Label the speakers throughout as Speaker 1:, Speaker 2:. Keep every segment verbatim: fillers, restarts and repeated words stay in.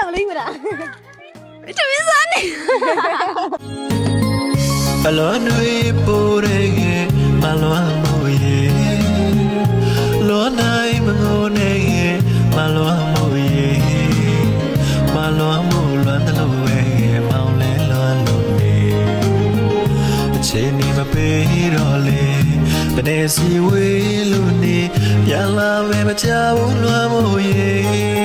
Speaker 1: ရောက်လိမ့်မလားတမင်းစားနေ
Speaker 2: အလောနွေပိုးရဲ့မလွမ်းမို့ရဲ့လောနိုင်မငိုနဲ့ရဲ့မလွမ်းမို့ရဲ့မလွမ်းမို့လွမ်းတယ်လို့ရဲ့မောင်လဲလွမ်းလို့နေအချိန်ဒီမပေးတော့လေဘယ်နဲ့စီဝေးလို့နေပြန်လာမယ်မချဘူးလွမ်းမို့ရဲ့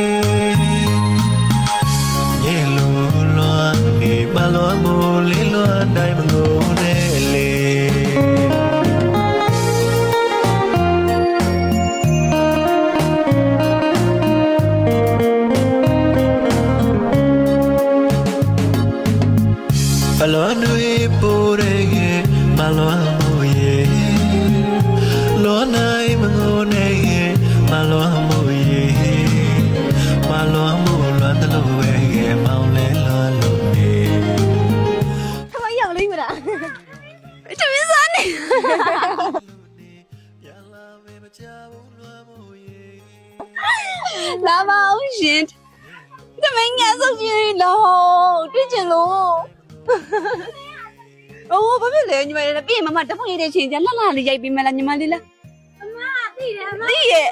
Speaker 2: ရဲ့လို့လွမ်းနေမလွမ်းမို့လေးလွမ်းတိုင်းမငိုနဲ့လေအလောနွေပိုးရဲ့မလွမ်းမို့ရဲ့လောနိုင်မငိုနဲ့ရဲ့မလွမ်းမို့ရဲ့မလွမ်းမို့လွမ်းတယ်လို့ရဲ့မောင်လဲလွမ်းလို့နေ
Speaker 1: ทำไมရောက်လိမ့်မလားတမင်းစားနေလာပါဦးရှင်တမင်းငါဆုံးကြီးလို့တွေ့ချင်လို့โอ้ဘာဖြစ်လဲညီမလေးပြင်မမတဖုန်ရတဲ့ချိန်ကျလှလှလေးရိုက်ပြီးမလားညီမလေးလားအမသိတယ်အမသိရဲ့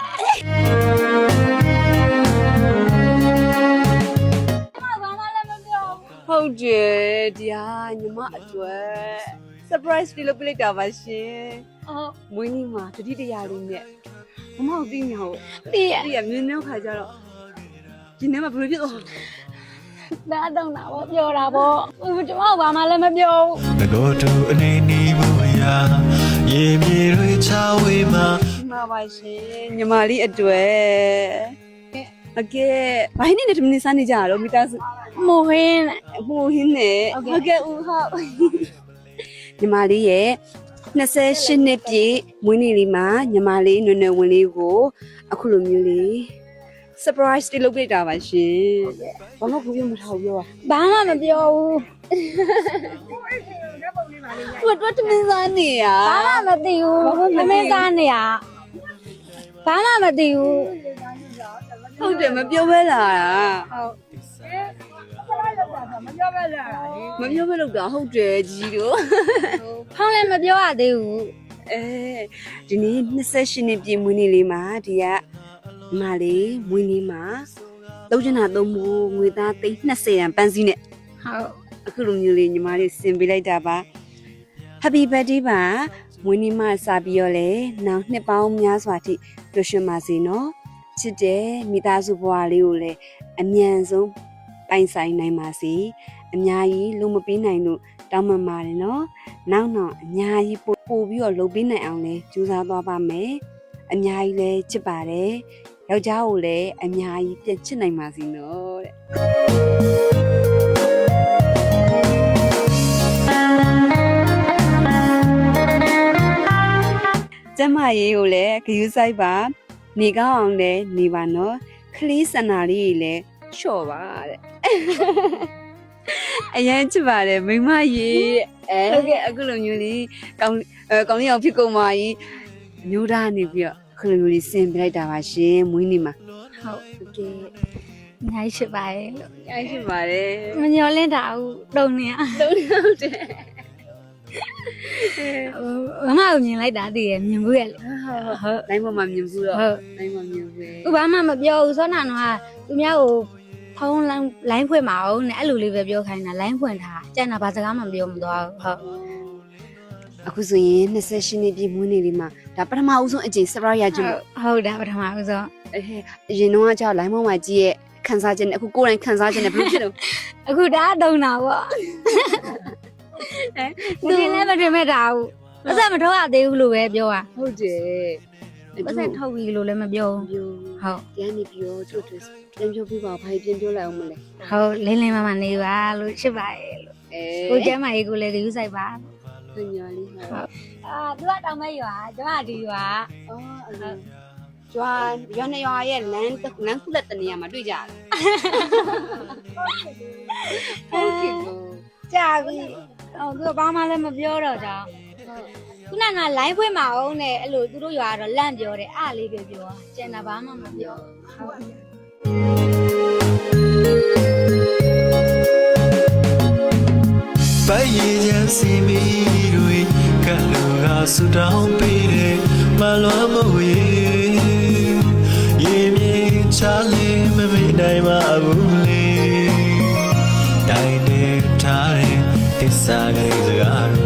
Speaker 1: ဟုတ်တယ်တရားညီမအတွက် surprise လေးလုပ်ပြလိုက်တာပါရှင်အော်မွေးနေ့မှာတတိတရာလေးနဲ့မမတို့သိညာဟုတ်သိရသိရမြင်းနှောက်ခါကြတော့ဒီနေ့မှာဘယ်လိုဖြစ်သွားဒါတော့တာဗောပြောတာဗောကျွန်မဘာမှလည်းမပြောဘူး
Speaker 2: ငကိုတူအနေနီးဘူးရာရေမြေတွေချဝေးမှာ
Speaker 1: ဒီမှာပါရှင်ညီမလေးအတွက်အကဲဘာနဲ့တမင်းစားနေကြတော့မိသားစုမိုဟင်းမိုဟင်းနဲ့ဟုတ်ကဲ့ဦးဟုတ်ညီမလေးရဲ့နှစ်ဆယ်ရှစ်နှစ်ပြည့်မွေးနေ့လေးမှာညီမလေးနွယ်နွယ်ဝင်လေးကိုအခုလိုမျိုးလေး surprise တိလုပ်ပြတာပါရှင်ဘာမှဘူးပြောမထားဘူးပြောဘာမှမပြောဘူးသူတို့တမင်းစားနေရဘာမှမသိဘူးတမင်းစားနေရဘာမှမသိဘူးဟုတ်တယ်မပြောဘဲလာတာဟုတ်မပြောဘဲလာတာမပြောဘဲလောက်တာဟုတ်တယ်ကြီးတို့ဖောင်းလည်းမပြောရသေးဘူးအဲဒီနေ့နှစ်ဆယ်ရှစ်နှစ်ပြည့်မွေးနေ့လေးမှာဒီကမလေးမွေးနေ့မှာသုံးချင်တာသုံးဖို့ငွေသားသိန်း၂၀ရန်ပန်းစည်းနဲ့ဟုတ်အခုလိုမျိုးလေးညီမလေးဆင်ပေးလိုက်တာပါ Happy birthday ပါမွေးနေ့မှာစပြီးတော့လေနောက်နှစ်ပေါင်းများစွာထိပျော်ရွှင်ပါစေနော်ချစ်တဲ့မိသားစုဘဝလေးကိုလည်းအမြန်ဆုံးပိုင်ဆိုင်နိုင်ပါစေအများကြီးလုံးမပေးနိုင်လို့တောင်းပန်ပါတယ်နော်နောက်တော့အများကြီးပို့ပို့ပြီးတော့လုပ်ပေးနိုင်အောင်လဲကြိုးစားသွားပါမယ်အများကြီးလဲချစ်ပါတယ်ယောက်ျားကိုလည်းအများကြီးပြန်ချစ်နိုင်ပါစေနော်တဲ့ကျမရေးကိုလည်းဂယူးဆိုင်ပါနေကောင်းအောင်လည်းနေပါနော်ခလေးစန္နာလေးကြီးလည်းလျှော့ပါတဲ့အရင်ချစ်ပါတယ်မိမရေးအဲဟုတ်ကဲ့အခုလိုမျိုးလေးကောင်းအဲကောင်းလေးအောင်ဖြစ်ကုန်ပါကြီးမျိုးသားနေပြီးတော့အခုလိုမျိုးလေးဆင်ပြလိုက်တာပါရှင်မွေးနေ့မှာဟုတ်ကဲ့အများကြီးရှိပါတယ်လို့အများကြီးရှိပါတယ်မညော်လင့်တာဘူးတုံနေရတုံနေဟုတ်တယ်ဟိုမမကိုမြင်လိုက်တာတည်ရမြင်ဘူးရဲ့လေဟုတ်ဟုတ်လိုင်းပေါ်မှာမြင်ဘူးတော့ဟုတ်လိုင်းပေါ်မြင်ဘူးဥဘာမှမပြောဘူးစောနာတော့သူများကိုဖုန်းလိုင်းဖွင့်မအောင်နဲ့အဲ့လိုလေးပဲပြောခိုင်းတာလိုင်းဖွင့်ထားကြံ့တာဘာစကားမှမပြောမသွားဘူးဟုတ်အခုဆိုရင်နှစ်ဆယ်ရှစ်နှစ်ပြည့်မွေးနေ့လေးမှာဒါပထမဦးဆုံးအကြိမ် surprise ရကြလို့ဟုတ်တာပထမဦးဆုံးအရင်တော့ကကြောက်လိုင်းပေါ်မှာကြည့်ရဲ့ခန်းစားခြင်းနဲ့အခုကိုယ်တိုင်ခန်းစားခြင်းနဲ့ဘယ်လိုဖြစ်လို့အခုဒါအတုံးတာပေါ့သူလည်းမတင်မဲ့တာဘူးပတ်စံမထုတ်ရသေးဘူးလို့ပဲပြောတာဟုတ်တယ်ပတ်စံထုတ်ပြီလို့လည်းမပြောဘူးဟုတ်ကျန်နေပြီးတော့သူ့အတွက်ပြန်ပြောပြပါဘာပြန်ပြောလိုက်အောင်မလဲဟုတ်လင်းလင်းမမနေပါလို့ချစ်ပါရဲ့လို့ကိုကျမ်းမကြီးကိုလည်းယူဆိုင်ပါညော်လေးဟုတ်အာသူကတောင်မဲရွာကျမဒီရွာအော်ဟုတ်ကျွာရွာနေရွာရဲ့လမ်းလမ်းခုလက်တနေရာမှာတွေ့ကြတယ်ဟုတ်ကဲ့ကြာပြီအော်သူကဘာမှလည်းမပြောတော့ကြောင်းခုနကလိုင်းဖွင့်မအောင်နဲ့အဲ့လိုသူတို့ရွာကတော့လန့်ပြောတယ်အားလေးပဲပြောကျန်တာဘာမှမပြောဟုတ်
Speaker 2: စီမီတွေကလူကဆူတောင်းပေးတယ်မလွမ်းမို့ရေရေမြေချလေးမမေ့နိုင်ပါဘူးလေတိုင်းနေထားတဲ့တစ္ဆာကလေးစကား